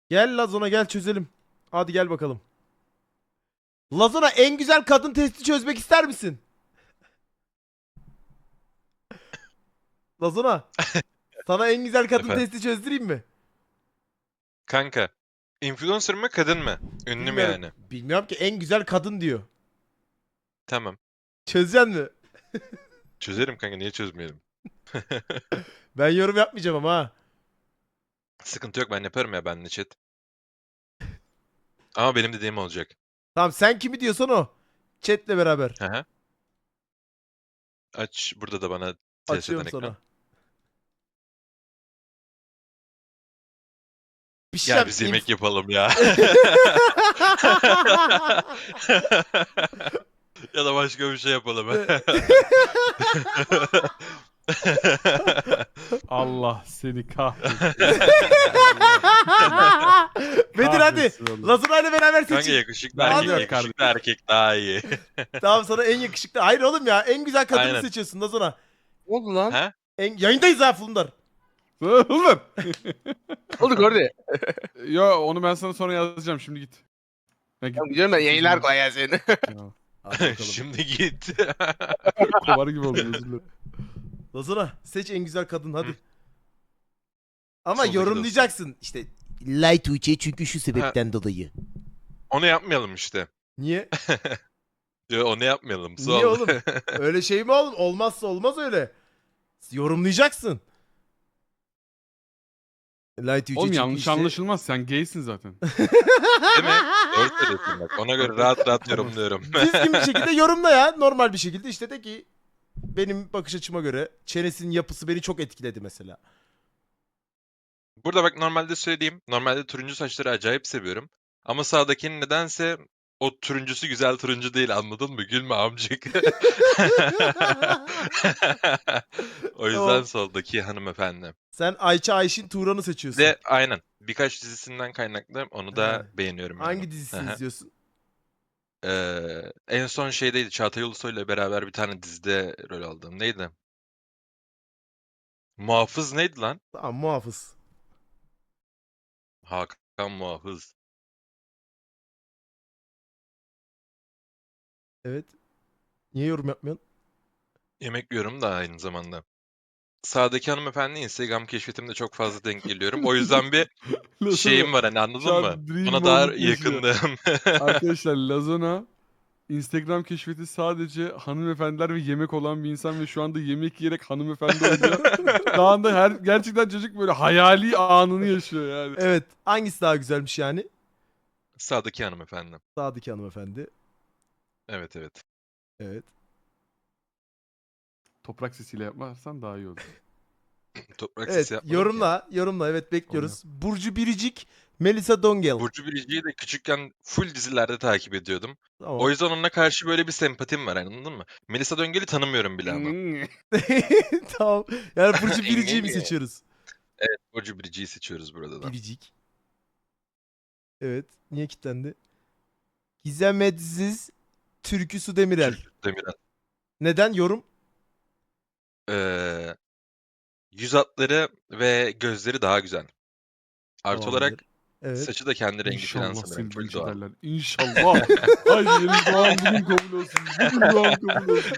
Gel Lazona gel çözelim. Hadi gel bakalım. Lazona en güzel kadın testi çözmek ister misin? Lazona sana en güzel kadın Efendim. testi çözdüreyim mi? Kanka. Influencer mı kadın mı? Ünlü mü Bilmiyorum. yani? Bilmiyorum ki en güzel kadın diyor. Tamam. Çözeceksin mi? Çözerim kanka, niye çözmeyelim? Ben yorum yapmayacağım ama ha. Sıkıntı yok, ben yaparım ya, benle chat. Ama benim dediğim olacak. Tamam sen kimi diyorsan o. Chat'le beraber. Hı hı. Aç burada da bana test eden Açıyorum ekran. sana. Bir şey Gel biz diyeceğim. yemek yapalım ya. Ya da başka bir şey yapalım. Allah seni kahretsin. Bedir hadi. Kahretsin oğlum. Lazona ile beraber Kanka seçin. yakışıklı Hadi. erkek, Hadi. yakışıklı erkek daha iyi. Tamam sana en yakışıklı. Hayır oğlum ya en güzel kadını Aynen. seçiyorsun Lazona. Ne oldu lan? Ha? Yayındayız ha Fulundar. Oğlum. Ne oldu gördü? Yo onu ben sana sonra yazacağım, şimdi git. Ya git. Tamam gidiyorum ben, yayınlar kolay gelsin. Ya, Hadi bakalım. Şimdi git. kovar gibi oldum, özür dilerim. Lazona seç en güzel kadın hadi. Hı. Ama Soldaki yorumlayacaksın. İşte Light Tuğçe çünkü şu sebepten dolayı. Onu yapmayalım işte. Niye? Yo, onu yapmayalım. Niye Sol. oğlum? Öyle şey mi oğlum? Olmazsa olmaz öyle. Yorumlayacaksın. Light Tuğçe Oğlum çünkü yanlış işte... anlaşılmaz, sen gaysin zaten. Değil mi? Doğru söylüyorsun bak. Ona göre rahat rahat Tamam. yorumluyorum. Düzgün bir şekilde yorumla ya. Normal bir şekilde işte de ki benim bakış açıma göre çenesinin yapısı beni çok etkiledi mesela. Burada bak, normalde söyleyeyim. Normalde turuncu saçları acayip seviyorum. Ama sağdakinin nedense o turuncusu güzel turuncu değil, anladın mı? Gülme amcık. O yüzden Tamam. soldaki hanımefendi. Sen Ayça Ayşin Turan'ı Bir seçiyorsun. de aynen birkaç dizisinden kaynaklı onu da He. beğeniyorum yani. Hangi dizisini Hı hı. izliyorsun? En son şeydeydi, Çağatay Ulusoy'la beraber bir tane dizide rol aldım. Neydi? Muhafız neydi lan? Tamam muhafız. Hakan Muhafız. Evet. Niye yorum yapmıyorsun? Yemek yiyorum da aynı zamanda. Sağdaki hanımefendi Instagram keşfetimde çok fazla denk geliyorum. O yüzden bir şeyim var, hani, Şu anladın mı? an dream Ona daha moment yaşıyor. yakındım. Arkadaşlar Lazona Instagram keşfeti sadece hanımefendiler ve yemek olan bir insan ve şu anda yemek yiyerek hanımefendi oluyor. Şu anda gerçekten çocuk böyle hayali anını yaşıyor yani. Evet. Hangisi daha güzelmiş yani? Sağdaki hanımefendi. Sağdaki hanımefendi. Evet evet. Evet. Toprak sesiyle yapmazsan daha iyi olur. Toprak Evet. sesi yapmadım ki. Yorumla. Yorumla. Evet bekliyoruz. Burcu Biricik. Melisa Dongel. Burcu Biricik'i de küçükken full dizilerde takip ediyordum. O Tamam. yüzden onunla karşı böyle bir sempatim var, anladın mı? Melisa Döngel'i tanımıyorum bile ama. Tamam. Yani Burcu Biricik'i mi seçiyoruz? Evet, Burcu Biricik'i seçiyoruz burada da. Biricik. Evet. Niye kilitlendi? Gizem Edziz. Türkü Su Demirel. Demirel. Neden? Yorum? Yüz hatları ve gözleri daha güzel. Artı Tamamdır. olarak Evet. saçı da kendi rengi falan İnşallah sanırım. seni Full linç doğal. ederler. İnşallah. Haydi benim doğum bugün kabul olsun. Bugün doğum kabul olsun.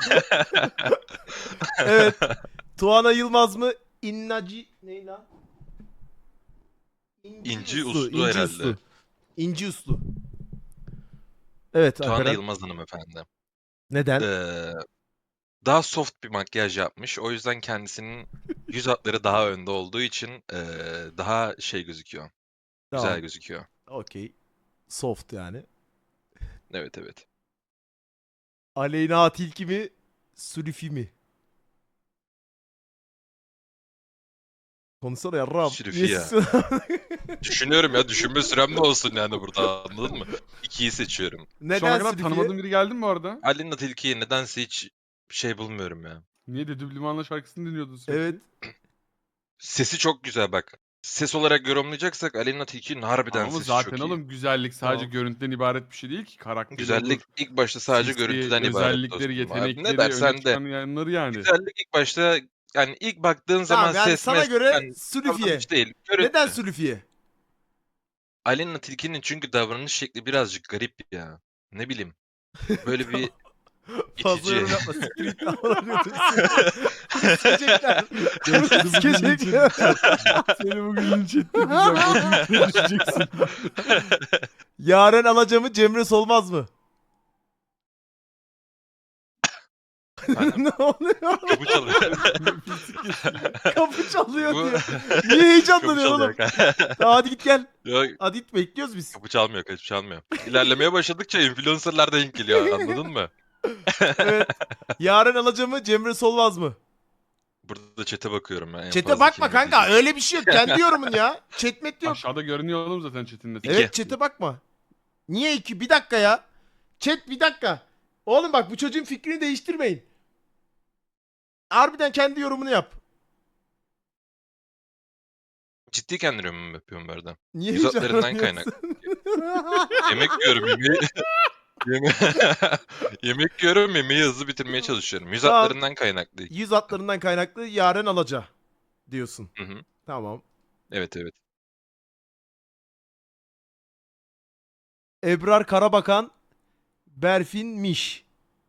Evet. Tuana Yılmaz mı? İnnaci... Ney lan? İnci Uslu İnci herhalde. Uslu. İnci Uslu. Evet Tuana Alperen. Yılmaz hanımefendi. Neden? Daha soft bir makyaj yapmış. O yüzden kendisinin yüz hatları daha önde olduğu için daha şey gözüküyor. Güzel Tamam. gözüküyor. Okey. Soft yani. Evet evet. Aleyna Tilki mi? Sülüfi mi? Konuşsana yarrağım. Sülüfi Niye ya. susuyorsun? Düşünüyorum ya, düşünme sürem de olsun yani burada, anladın mı? İkiyi seçiyorum. Şu ana Neden kadar Sülüfi'ye? tanımadığın biri geldi mi bu arada? Alina Tilki'yi nedense hiç şey bulmuyorum ya. Niye de Düblimanla şarkısını dinliyordun sürekli? Evet. Sesi çok güzel bak. Ses olarak yorumlayacaksak Alina Tilki'nin harbiden Ama sesi zaten çok iyi. oğlum güzellik sadece Tamam. görüntüden ibaret bir şey değil ki. Karakteri Güzellik olur, ilk başta sadece sesi, görüntüden ibaret özellikleri, dostum. Abi ne yetenekleri, öne dersen de. çıkan yanları yani. Güzellik ilk başta, yani ilk baktığın zaman Tamam yani ses sana mes göre yani Sülüfi'ye. davranış değil. Neden Görüntü. Sülüfi'ye? Aleyna Tilki'nin çünkü davranış şekli birazcık garip ya. Ne bileyim. Böyle bir Fazla itici. yorum yapma. Siktir git lan. Bunu sikecekler. Bunu Seni bugün linç sikecekler. Seni bugün linç ettireceğim. O tweet'e düşeceksin. Yaren Alaca Cemre Solmaz mı? Efendim? Ne oluyor? Kapı çalıyor. Nefesi kesildi. Kapı çalıyor Bu diyor. Niye heyecanlanıyorsun kapı oğlum? çalıyor. Tamam, hadi git gel. Yok, Hadi git, bekliyoruz biz. kapı çalmıyor, kapı çalmıyor. İlerlemeye başladıkça influencer'lar denk geliyor, anladın mı? Evet. Yaren Alaca Cemre Solmaz mı? Burada chat'e bakıyorum ben. En Chat'e fazla bakma kim kanka. izleyecek? Öyle bir şey yok. Kendi yorumun ya. Chatmet yok. Aşağıda görünüyor oğlum zaten chat'in İki. Evet, chat'e bakma. Niye iki? Bir dakika ya. Chat bir dakika. Oğlum bak, bu çocuğun fikrini değiştirmeyin. Harbiden kendi yorumunu yap. Ciddi kendi yorumumu yapıyorum bu arada. Niye Yüz hatlarından heyecanlanıyorsun? Yemek yiyorum, yemek yiyorum, yemeği hızlı bitirmeye çalışıyorum. Yüz Tamam. hatlarından kaynaklı. Yüz hatlarından kaynaklı Yaren Alaca diyorsun. Hı hı. Tamam. Evet evet. Ebrar Karabakan, Berfin Miş.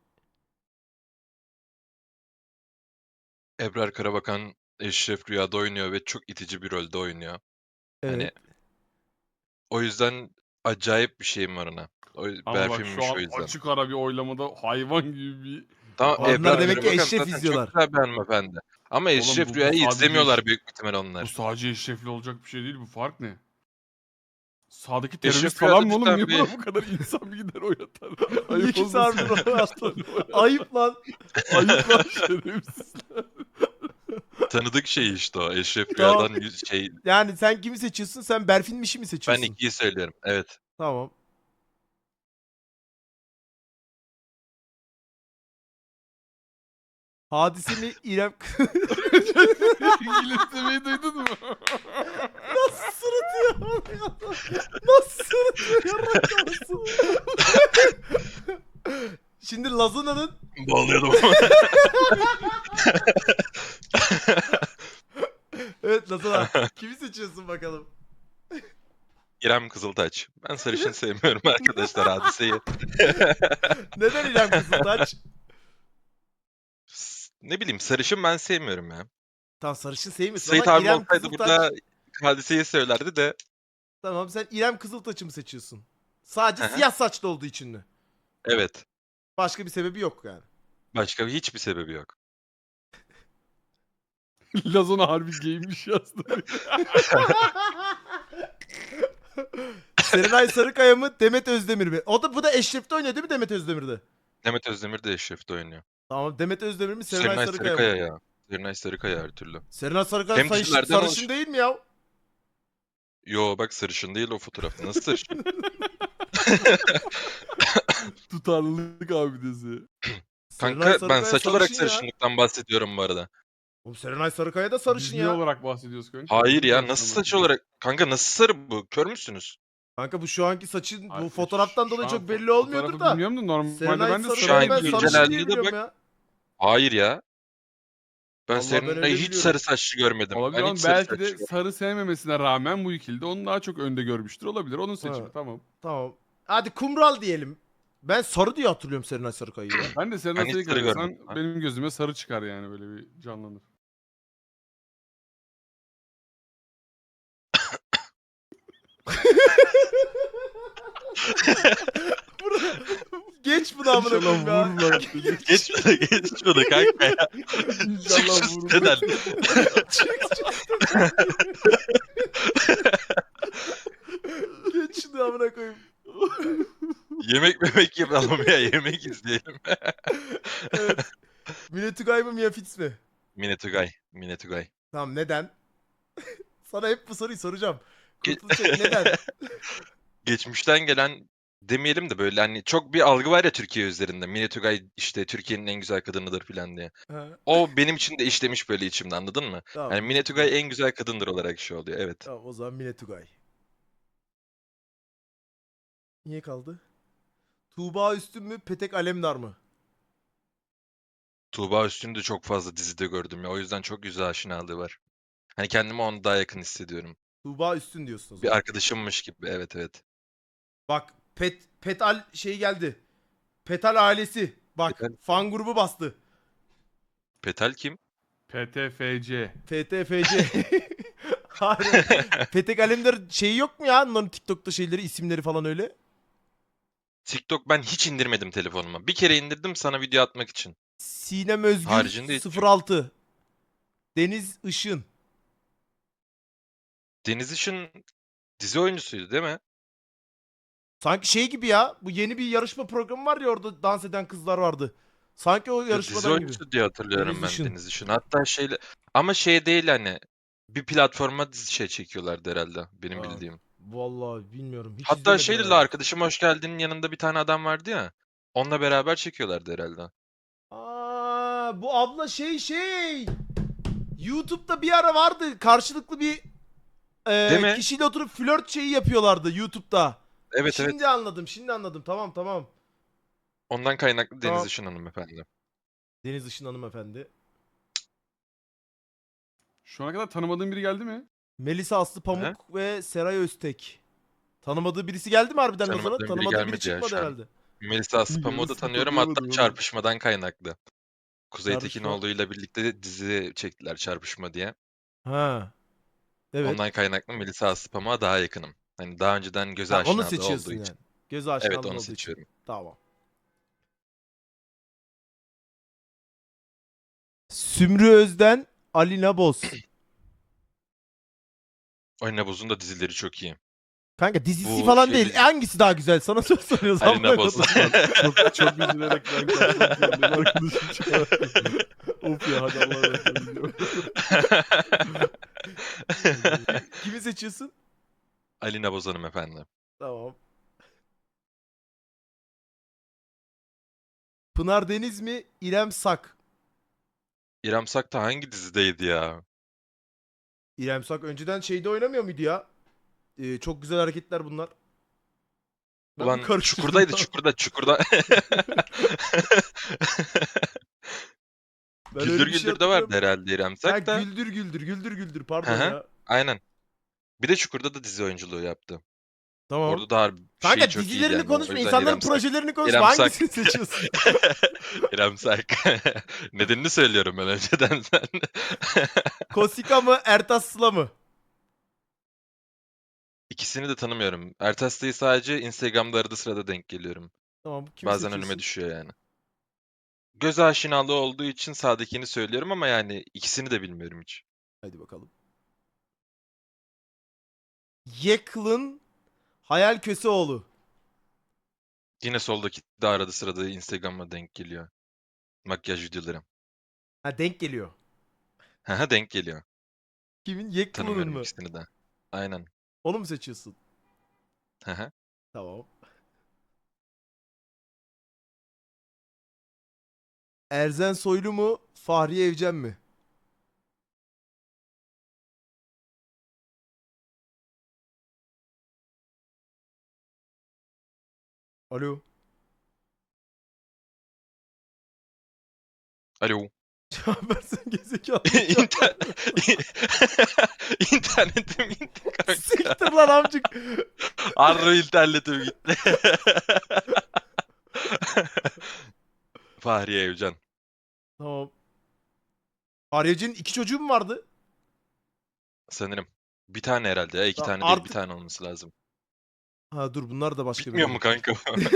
Ebrar Karabakan Eşref Rüya'da oynuyor ve çok itici bir rolde oynuyor. Evet. Hani o yüzden acayip bir şeyim var ona. Ama bak şu Berfin'miş an o yüzden. açık ara bir oylamada hayvan gibi bir... Tamam, Onlar Ebrar demek ki Karabakan Eşref zaten izliyorlar. çok güzel bir hanımefendi. Ama Oğlum Eşref bu Rüya'yı sadece izlemiyorlar büyük ihtimal Bu onlar. sadece eşrefli olacak bir şey değil. Bu fark ne? Sağdaki Eşref terörist Rüya'da falan mı oğlum? cidden Niye bir- buna bu kadar insan bir gider oynatar? Niye Ayıp kimse olmasın. harbiden oynatar? Ayıp lan. Ayıp lan şerefsizler. Tanıdık şey işte o. Eşref Tamam. Rüya'dan şey. Yani sen kimi seçiyorsun? Sen Berfin Miş'i mi Ben seçiyorsun? ikiyi söylüyorum. Evet. Tamam. Hadise mi İrem... İngilizcemeyi duydun mu? Nasıl sırıtıyor? Nasıl sırıtıyor? Yarrak kafası. Şimdi Lazuna'nın... Bağlıyordum. Evet Lazuna. Kimi seçiyorsun bakalım? İrem Kızıltaç. Ben sarışın sevmiyorum arkadaşlar, Hadise'yi. Neden İrem Kızıltaç? Ne bileyim, sarışın ben sevmiyorum ya. Tamam, sarışın sevmiyorsun Sait ama abi İrem olsaydı Kızıltaç... burada Hadise'yi söylerdi de. Tamam, sen İrem Kızıltaç'ı mı seçiyorsun? Sadece Hı hı. siyah saçlı olduğu için mi? Evet. Başka bir sebebi yok yani. Başka hiçbir sebebi yok. Lazona harbi giymiş yazdı. Serenay Sarıkaya mı Demet Özdemir mi? Bu da Eşref'te oynuyor değil mi Demet Özdemir'de? Demet Özdemir de Eşref'te oynuyor. Tamam, Demet Özdemir mi Serenay Serenay Sarıkaya Sarıkaya mı? ya. Serenay Sarıkaya her türlü. Serenay Sarıkaya Hem dizilerden sarışın değil mi ya? Yo bak, sarışın değil o fotoğrafta. Nasıl sarışın? Tutarlılık abidesi. Serenay Kanka ben Sarıkaya saç olarak sarışın ya. sarışınlıktan bahsediyorum bu arada. Oğlum Serenay Sarıkaya da sarışın Biz ne ya. olarak bahsediyoruz kanka? Hayır ya, Biz nasıl sarışın saç olarak- olarak? Kanka nasıl sarı bu? Kör müsünüz? Kanka bu şu anki saçın bu Ay, fotoğraftan şu dolayı an çok belli olmuyordur fotoğrafı da. bilmiyorum da normalde Serenay ben de Sarıkaya Şu ben anki sarı sarışın güncel diye halinde biliyorum bak. ya. Hayır ya. Ben Vallahi ben öyle Serenay'ı hiç biliyorum. sarı saçlı görmedim. Olabilir Ben ama hiç sarı belki saçlı de görmedim. sarı sevmemesine rağmen bu ikilde onu daha çok önde görmüştür. Olabilir. Onun seçimi Ha. tamam. Tamam. Hadi kumral diyelim. Ben sarı diye hatırlıyorum Serenay Sarıkaya'yı ya. Ben de Serenay Ben hiç sarı Sarıkaya görmedim. desen benim gözüme sarı çıkar yani böyle bir canlanır. Geç bunu amına koyayım ya. İnşallah vururlar. Geç bunu kanka ya. Çık İnşallah şu vururlar. siteden. Geç şunu amına koyayım. Yemek yapalım ya, yemek izleyelim. Evet. Mine Tugay mı Mia Fitz mi? Mine Tugay. Mine Tugay. Tamam, neden? Sana hep bu soruyu soracağım. Ge- Kurtulacak neden? Geçmişten gelen demeyelim de böyle hani çok bir algı var ya Türkiye üzerinde. Mine Tugay işte Türkiye'nin en güzel kadınıdır falan diye. Ha, O benim için de işlemiş böyle içimde, anladın mı? tamam, Yani Mine Tugay en güzel kadındır olarak şey oluyor. Evet. Tamam, o zaman Mine Tugay. Niye kaldı? Tuğba Üstün mü Petek Alemdar mı? Tuğba Üstün'ü de çok fazla dizide gördüm ya. O yüzden çok yüz aşinalığı var. Hani kendimi ona daha yakın hissediyorum. Tuğba Üstün diyorsun o zaman. Bir arkadaşımmış gibi. Evet evet. Bak Petal şey geldi. Petal ailesi. Bak Petal. fan grubu bastı. Petal kim? PTFC. FTFC. Hayır. Petek Alemdar şeyi yok mu ya? Onların TikTok'ta şeyleri, isimleri falan öyle. TikTok ben hiç indirmedim telefonuma. Bir kere indirdim sana video atmak için. Sinem Özgür Haricinde hiç yok. 06. Deniz Işın. Deniz Işın dizi oyuncusuydu değil mi? Sanki şey gibi ya. Bu yeni bir yarışma programı var ya, orada dans eden kızlar vardı. Sanki o Ya dizi yarışmadan gibi. oyuncusu diye hatırlıyorum Deniz ben Işın. Deniz Işın. Hatta şeyle ama şey değil hani bir platforma dizi şey çekiyorlardı herhalde benim Ha, bildiğim. vallahi bilmiyorum. Hiç Hatta izlemedim şeyle herhalde. arkadaşım hoş geldin'in yanında bir tane adam vardı ya. Onunla beraber çekiyorlardı herhalde. Aa, bu abla şey. YouTube'da bir ara vardı. Karşılıklı bir Değil mi? kişiyle oturup flört şeyi yapıyorlardı YouTube'da. Evet evet. Şimdi anladım. Tamam. Ondan kaynaklı Tamam. Deniz Işın hanımefendi. Deniz Işın hanımefendi. Şu ana kadar tanımadığın biri geldi mi? Melisa Aslı Pamuk Hı? ve Seray Öztek. Tanımadığı birisi geldi mi harbiden Lazan'a? Tanımadığım biri Tanımadığı biri gelmedi ya çıkmadı şu an. herhalde. Melisa Aslıpamuk'u da Yarısını tanıyorum hatta tanıyamadım oğlum. Çarpışmadan kaynaklı. Kuzey Çarpışma. Tekinoğlu'yla birlikte dizi çektiler Çarpışma diye. Ha. Evet. Ondan kaynaklı Melisa Aslıpamuk'a daha yakınım. Hani daha önceden göz Ha, onu aşinalığı seçiyorsun olduğu yani. için. Göz Evet aşinalığı onu olduğu için. seçiyorum. Tamam. Sümrü Özden, Alina Boz. Alina Boz'un da dizileri çok iyi. Kanka dizisi Bu falan şey değil. dizi- Hangisi daha güzel? Sana soru soruyoruz. Alina amına Boz. koyayım. Çok üzülerek ben kapatmak zorundayım. Arkadaşım çağırdı. Of ya, hadi Allah'a emanet olun. Kimi seçiyorsun? Alina Boz hanımefendi. Tamam. Pınar Deniz mi? İrem Sak. İrem Sak da hangi dizideydi ya? İrem Sak önceden şeyde oynamıyor muydu ya? Çok güzel hareketler bunlar. Ben bir Ulan karıştırdım Çukur'daydı ya. Çukur'da. Ben öyle Güldür bir şey Güldür'de vardı hatırlıyorum. herhalde İrem Ha, Sak da. güldür Hı pardon hı, ya. aynen. Bir de Çukur'da da dizi oyunculuğu yaptı. Tamam. Orada da harbi Kanka çok iyiydi dizilerini yani. O konuşma, yüzden insanların İrem Sak. projelerini konuşma. İrem Sak. Hangisini seçiyorsun? İrem Sak. Nedenini söylüyorum ben önceden sen. Kosika mı, Ertas Sıla mı? İkisini de tanımıyorum. Ertes'teyi sadece Instagram'da arada sırada denk geliyorum. Tamam, kimi Bazen seçiyorsun? önüme düşüyor yani. Göz aşinalığı olduğu için sağdakini söylüyorum ama yani ikisini de bilmiyorum hiç. Hadi bakalım. Yeklın Hayal Köseoğlu. Yine soldaki de arada sırada Instagram'a denk geliyor. Makyaj videolarım. Ha, denk geliyor. Haha denk geliyor. Kimin? Yeklın'ın Tanımıyorum mı? ikisini de. Aynen. Onu mu seçiyorsun? Haha. Tamam. Erzen Soylu mu, Fahriye Evcen mi? Alo. Alo. Cevap versene gerizekalı. İnter... İnternetim gitti kanka. Siktir lan amcık. Harbi internetim gitti. Fahriye Evcen. Tamam. Fahriye Evcen'in 2 çocuğu mu vardı? Sanırım. Bir tane herhalde ya. İki Ya tane değil bir artık- tane olması lazım. Ha dur, bunlar da başka Bilmiyor biri. mu kanka?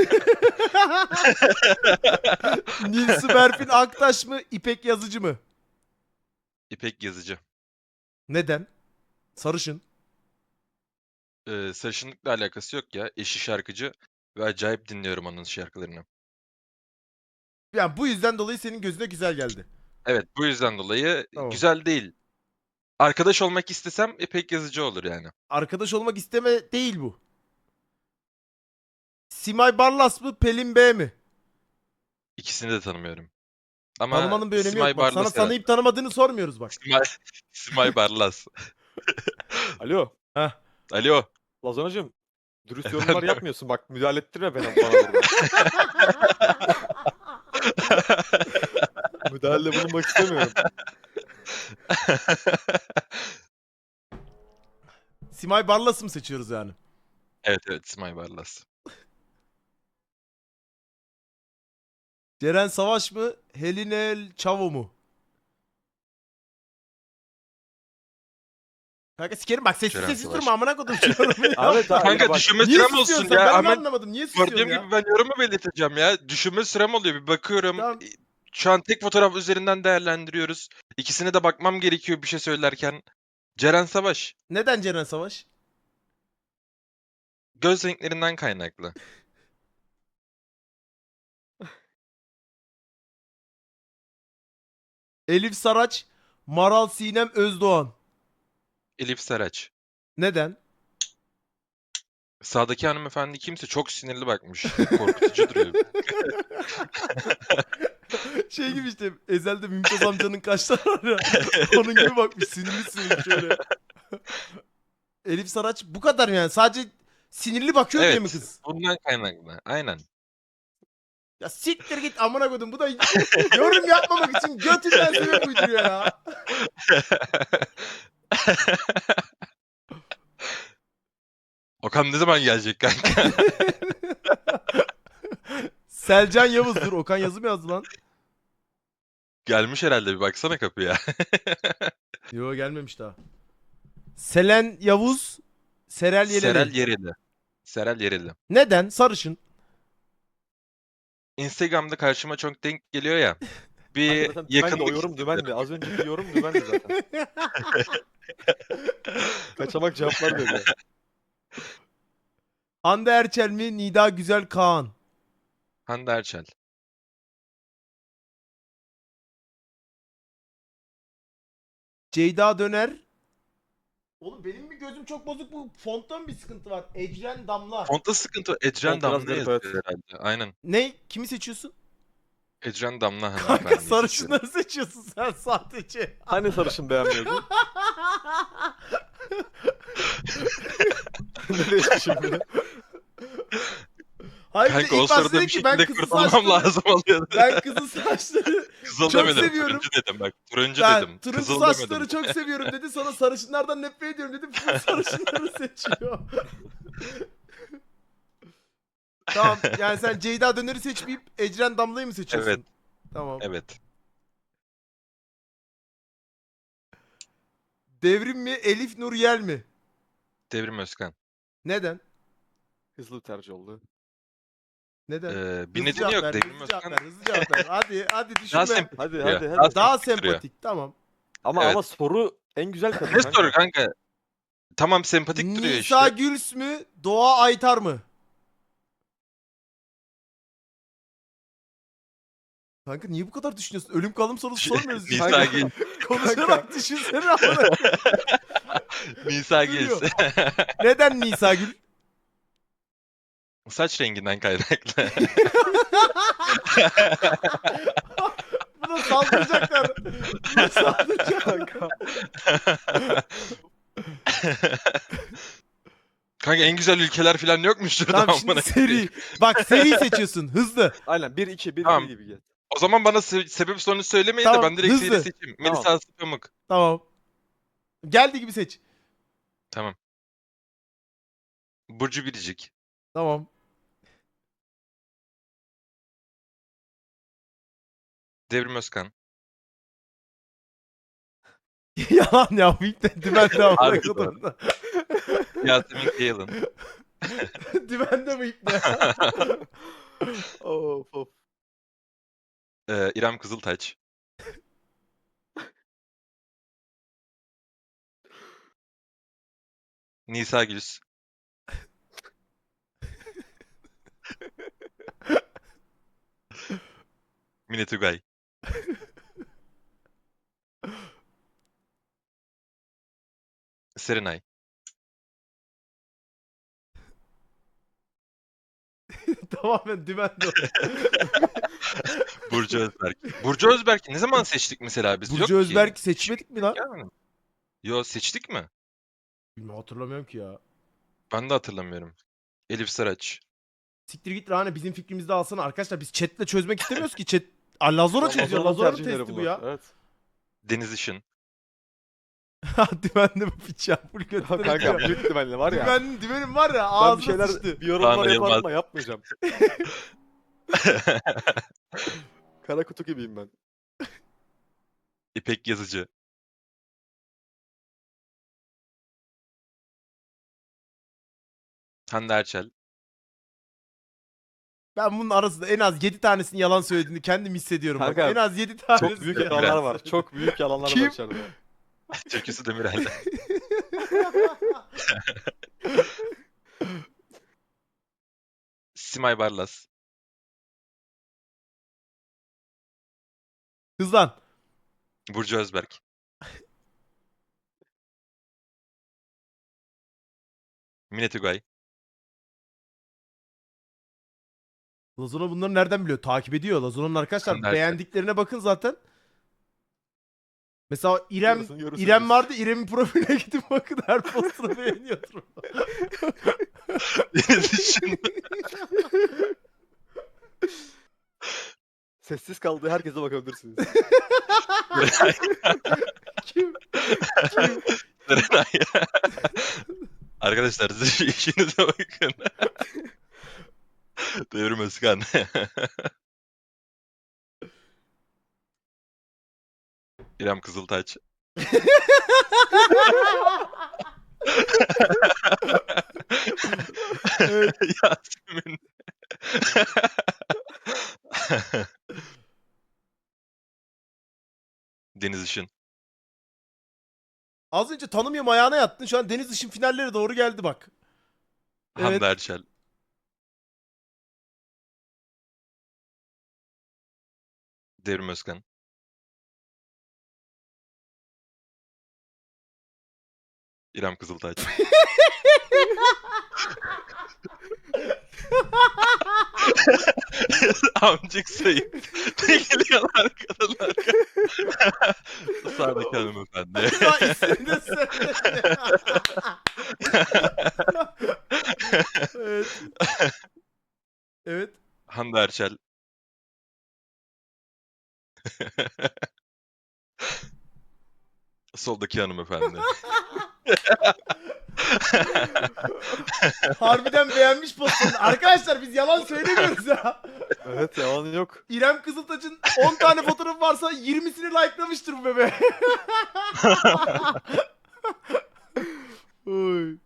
Nilsu Berfin Aktaş mı, İpek Yazıcı mı? İpek Yazıcı. Neden? Sarışın. Sarışınlıkla alakası yok ya. Eşi şarkıcı ve acayip dinliyorum onun şarkılarını. Yani bu yüzden dolayı senin gözüne güzel geldi. Evet bu yüzden dolayı Tamam. güzel değil. Arkadaş olmak istesem İpek Yazıcı olur yani. Arkadaş olmak isteme değil bu. Simay Barlas mı, Pelin B mi? İkisini de tanımıyorum. Ama Tanımanın bir önemi Simay yok. Bak, sana Barlas tanıyıp tanımadığını sormuyoruz bak. Simay Barlas. Alo. Heh. Alo. Lazanacığım. Dürüst Efendim? yorumlar yapmıyorsun. Bak müdahale ettirme bana burada. Müdahalede bulunmak istemiyorum. Simay Barlas'ı mı seçiyoruz yani? Evet evet Simay Barlas. Ceren Savaş mı? Helinel Çavo mu? Kanka sikerim bak sessiz Ceren sessiz Savaş. durma amına kodum şu yorumu ya. Ahmet abi Kanka bak. düşünme Niye sürem susuyorsun olsun sen? ya. Ben onu Hemen anlamadım. Niye susuyorsun gördüğüm ya? gibi ben yorumu belirteceğim ya. Düşünme sürem oluyor. Bir bakıyorum. Tamam. Şu an tek fotoğraf üzerinden değerlendiriyoruz. İkisine de bakmam gerekiyor bir şey söylerken. Ceren Savaş. Neden Ceren Savaş? Göz renklerinden kaynaklı. Elif Saraç, Maral Sinem Özdoğan. Elif Saraç. Neden? Sağdaki hanımefendi kimse çok sinirli bakmış. Korkutucu duruyor. Şey gibi işte Ezel'de Mümtaz amcanın kaşları var ya. Onun gibi bakmış sinirli sinirli şöyle. Elif Saraç bu kadar yani sadece sinirli bakıyor diye mi Evet. kız? Bundan kaynaklı. Aynen. Ya siktir git amına koydum bu da yorum yapmamak için götünden sebep uyduruyor ya. Okan ne zaman gelecek kanka? Selcan Yavuz dur Okan yazı mı yazdı lan? Gelmiş herhalde bir baksana kapıya. Yo gelmemiş daha. Selen Yavuz, Serel Yeleri. Serel Yereli. Serel Yereli. Neden? Sarışın. Instagram'da karşıma çok denk geliyor ya. Kanka Bir zaten dümendi, yakınlık o yorum dümendi. Az önceki yorum dümendi zaten. Kaçamak cevaplar veriyor. Hande Erçel mi? Nida Güzel Kaan. Hande Erçel. Ceyda Döner. Oğlum benim bir gözüm çok bozuk bu fontta mı bir sıkıntı var? Ecren Damla. Fontta sıkıntı. Ecren Font biraz Damla garip, yazıyor evet. herhalde. Aynen. Ne? Kimi seçiyorsun? Ecren Damla Kanka hanımefendiyi seçiyorum. sarışınları seçiyorsun sen sadece. Hani sarışın beğenmiyordun? Ne değişti şimdi? Hayır bir de Kanka o ilk başta sırada dedi bir ki ben şekilde kızıl kurtulmam saçları, lazım oluyordu. ben kızıl saçları, Kızıl çok demedim. seviyorum. Turuncu dedim bak. Turuncu ben dedim. turuncu Kızıl saçları demedim. çok seviyorum dedi. Sonra sarışınlardan nefret ediyorum dedi. Full sarışınları seçiyor. Tamam yani sen Ceyda Döner'i seçmeyip Ecren Damla'yı mı seçiyorsun? Evet. Tamam. Evet. Devrim mi Elif Nur Yel mi? Devrim Özkan. Neden? Hızlı bir tercih oldu. Neden? Bir Hızlı nedeni cevap yok. ver, Devrim hızlı cevap Özkan ver, hızlı cevap ver. Hadi düşünme. daha sempatik Hadi duruyor. hadi Daha hadi. Daha sempatik duruyor. sempatik tamam. Ama Evet. soru en güzel kadın Ne kanka. soru kanka? Tamam sempatik duruyor Nisa işte. Güls mü? Doğa Aytar mı? Kanka niye bu kadar düşünüyorsun? Ölüm kalım sorusu sormuyoruz. Nisa Kanka. Gil. Konuşarak düşünsene amına. Nisa Gil. Duruyor. Neden Nisa Gül? Saç renginden kaynaklı. Buna saldıracaklar. Buna saldıracaklar. Kanka. Kanka en güzel ülkeler falan yokmuştur da Tamam şimdi amına seri. koyayım. Bak seri seçiyorsun. Hızlı. Aynen 1-2 Tamam. gibi gel. O zaman bana sebep sonucu söylemeyin Tamam, de ben direkt hızlı. seri seçeyim. Tamam. Melisa Aslı Pamuk. Tamam. Geldi gibi seç. Tamam. Burcu Biricik. Tamam. Devrim Özkan. Yalan ya. Bu ilk de dümende amına Harbi kodum. Yasemin Kayalın. Dümende bu ilk ne? Of of. İrem Kızıltaç. Nisa Güls. Mine Tugay. Serenay. Tamamen dümende. Burcu Özberk. Burcu Özberk'i ne zaman seçtik mesela biz? Yok Burcu ki. Özberk seçmedik mi lan? Gelmedi. Yo seçtik mi? Bilmiyorum hatırlamıyorum ki ya. Ben de hatırlamıyorum. Elif Saraç. Siktir git Rane bizim fikrimizde alsana. Arkadaşlar biz chatle çözmek istemiyoruz ki. Chat Lazora çözüyor. Lazona'nın Lazora'nın tercihleri testi bu bunlar. ya. Evet. Deniz Işın. Dümenli bu piç ya. Full Ya götüne kanka gidiyor. büyük ihtimalle var ya. Dümenim var ya Ben bir ağzına şeyler, sıçtı. bir yorumlar Kaan yaparım Yılmaz. ama yapmayacağım. Kara kutu gibiyim ben. İpek Yazıcı. Hande Erçel. Ben bunun arasında en az 7 tanesinin yalan söylediğini kendim hissediyorum. Bak. Kanka, En az 7 tanesi. Çok büyük yalan yalanlar var. Çok büyük yalanlar Kim? var içeride. Türküsü Demirel. Simay Barlas. Hızlan. Burcu Özberk. Mine Tugay. Lazona bunları nereden biliyor? Takip ediyor. Lazona'nın arkadaşlar Nerede? beğendiklerine bakın zaten. Mesela Yarısını görürsünüz. İrem vardı. İrem'in profiline gidip bakın her postunu beğeniyordur. Deniz Işın. Sessiz kaldığı herkese bakabilirsiniz. Kim? Serenay. Arkadaşlar siz işinize bakın. Devrim Özkan. İrem Kızıltaç. Yasemin. Deniz Işın. Az önce tanımıyorum ayağına yattın. Şu an Deniz Işın finalleri doğru geldi bak. Evet. Hande Erçel. Devrim Özkan. İrem Kızıltaç. Amcık Sayın. Ne geliyorlar kadınlar? Sağdaki hanımefendi. Ya ismini de söyle. Evet. Evet. Hande Erçel. Soldaki hanımefendi. Harbiden beğenmiş postunu. Arkadaşlar biz yalan söylemiyoruz ya. Evet yalan yok. İrem Kızıltaç'ın 10 tane fotoğrafı varsa 20'sini likelamıştır bu bebe. Oy.